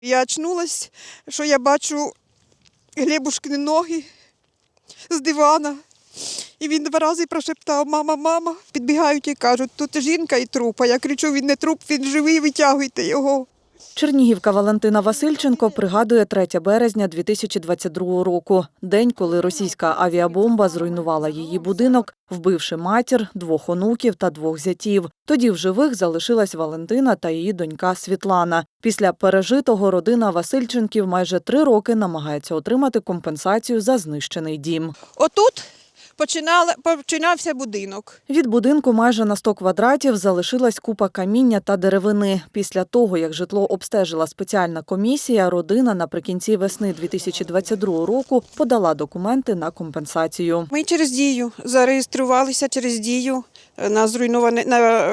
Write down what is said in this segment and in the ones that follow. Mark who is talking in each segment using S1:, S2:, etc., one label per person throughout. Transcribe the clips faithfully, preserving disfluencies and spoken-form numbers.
S1: Я очнулась, що я бачу Глебушкини ноги з дивана. І він два рази прошептав: «Мама, мама». Підбігають і кажуть: «Тут жінка і труп». А я кричу: «Він не труп, він живий, витягуйте його».
S2: Чернігівка Валентина Васильченко пригадує третє березня дві тисячі двадцять другого року. День, коли російська авіабомба зруйнувала її будинок, вбивши матір, двох онуків та двох зятів. Тоді в живих залишилась Валентина та її донька Світлана. Після пережитого родина Васильченків майже три роки намагається отримати компенсацію за знищений дім.
S1: Отут починала, починався будинок.
S2: Від будинку майже на сто квадратів залишилась купа каміння та деревини. Після того, як житло обстежила спеціальна комісія, родина наприкінці весни дві тисячі двадцять другого року подала документи на компенсацію.
S1: Ми через Дію зареєструвалися через Дію на зруйноване на,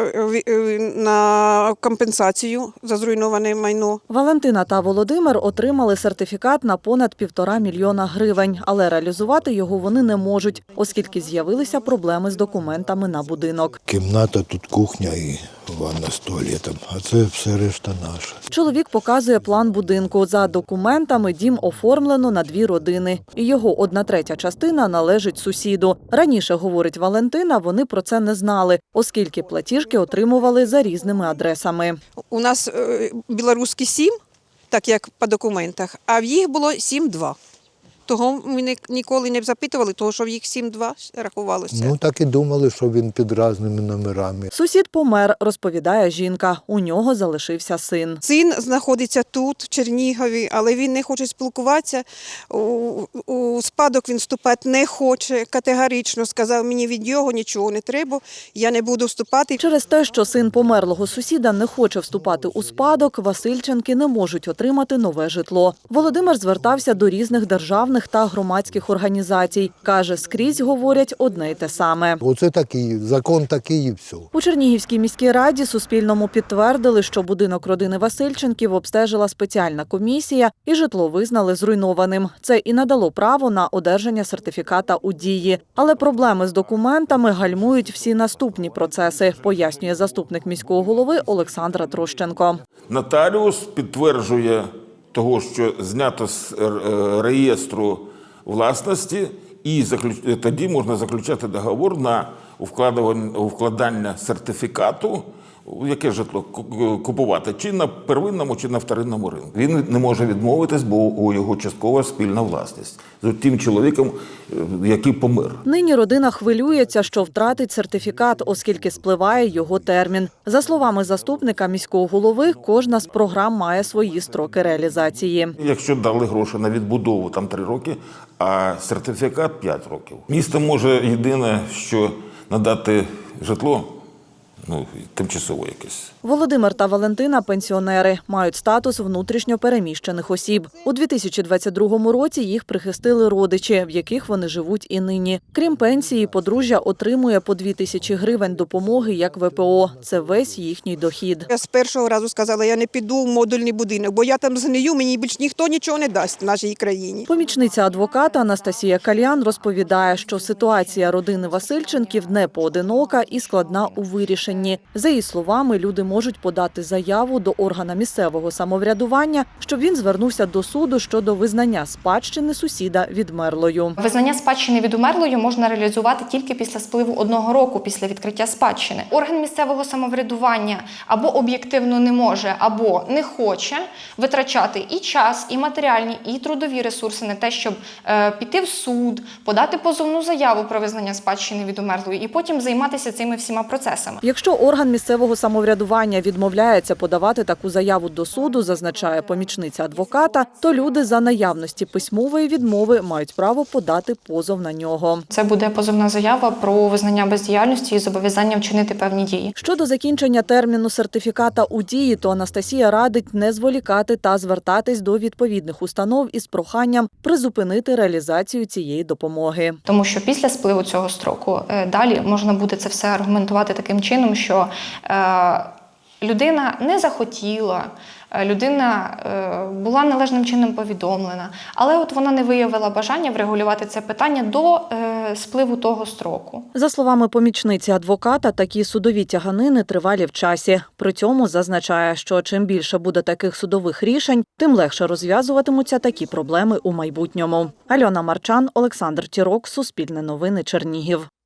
S1: на компенсацію за зруйноване майно.
S2: Валентина та Володимир отримали сертифікат на понад півтора мільйона гривень, але реалізувати його вони не можуть, оскільки з'явилися проблеми з документами на будинок.
S3: Кімната, тут кухня і ванна з туалетом, а це все решта наша.
S2: Чоловік показує план будинку. За документами дім оформлено на дві родини. І його одна третя частина належить сусіду. Раніше, говорить Валентина, вони про це не знали, оскільки платіжки отримували за різними адресами.
S1: У нас е, білоруський сім, так як по документах, а в їх було сім-два. Того ми не, ніколи не запитували, того, що в їх сім-два рахувалося.
S3: Ну так і думали, що він під різними номерами.
S2: Сусід помер, розповідає жінка. У нього залишився син.
S1: Син знаходиться тут, в Чернігові, але він не хоче спілкуватися. У, у спадок він вступати не хоче, категорично сказав: мені від його нічого не треба, я не буду вступати.
S2: Через те, що син померлого сусіда не хоче вступати у спадок, Васильченки не можуть отримати нове житло. Володимир звертався до різних державних та громадських організацій. Каже, скрізь говорять одне й те саме.
S3: Оце такий, закон такий і все.
S2: У Чернігівській міській раді Суспільному підтвердили, що будинок родини Васильченків обстежила спеціальна комісія і житло визнали зруйнованим. Це і надало право на одержання сертифіката у дії. Але проблеми з документами гальмують всі наступні процеси, пояснює заступник міського голови Олександра Трощенко.
S4: Нотаріус підтверджує того, що знято з реєстру власності, і тоді можна заключати договор на вкладання сертифікату, яке житло купувати, чи на первинному, чи на вторинному ринку. Він не може відмовитись, бо у його часткова спільна власність з тим чоловіком, який помер.
S2: Нині родина хвилюється, що втратить сертифікат, оскільки спливає його термін. За словами заступника міського голови, кожна з програм має свої строки реалізації.
S4: Якщо дали гроші на відбудову, там три роки, а сертифікат п'ять років. Місто може єдине, що надати житло, ну, тимчасово якесь.
S2: Володимир та Валентина – пенсіонери, мають статус внутрішньо переміщених осіб. У дві тисячі двадцять другому році їх прихистили родичі, в яких вони живуть і нині. Крім пенсії, подружжя отримує по дві тисячі гривень допомоги як ве пе о. Це весь їхній дохід.
S1: Я з першого разу сказала: я не піду в модульний будинок, бо я там згнию, мені більш ніхто нічого не дасть в нашій країні.
S2: Помічниця адвоката Анастасія Кальян розповідає, що ситуація родини Васильченків не поодинока і складна у вирішенні. За її словами, люди можуть подати заяву до органа місцевого самоврядування, щоб він звернувся до суду щодо визнання спадщини сусіда відмерлою.
S5: Визнання спадщини відмерлою можна реалізувати тільки після спливу одного року після відкриття спадщини. Орган місцевого самоврядування або об'єктивно не може, або не хоче витрачати і час, і матеріальні, і трудові ресурси на те, щоб е, піти в суд, подати позовну заяву про визнання спадщини відмерлою і потім займатися цими всіма процесами.
S2: Якщо орган місцевого самоврядування відмовляється подавати таку заяву до суду, зазначає помічниця адвоката, то люди за наявності письмової відмови мають право подати позов на нього.
S5: Це буде позовна заява про визнання бездіяльності і зобов'язання вчинити певні дії.
S2: Щодо закінчення терміну сертифіката у дії, то Анастасія радить не зволікати та звертатись до відповідних установ із проханням призупинити реалізацію цієї допомоги.
S5: Тому що після спливу цього строку далі можна буде це все аргументувати таким чином, що е, Людина не захотіла, людина е, була належним чином повідомлена, але от вона не виявила бажання врегулювати це питання до е, спливу того строку.
S2: За словами помічниці адвоката, такі судові тяганини тривалі в часі. При цьому зазначає, що чим більше буде таких судових рішень, тим легше розв'язуватимуться такі проблеми у майбутньому. Альона Марчан, Олександр Тірок, Суспільне новини, Чернігів.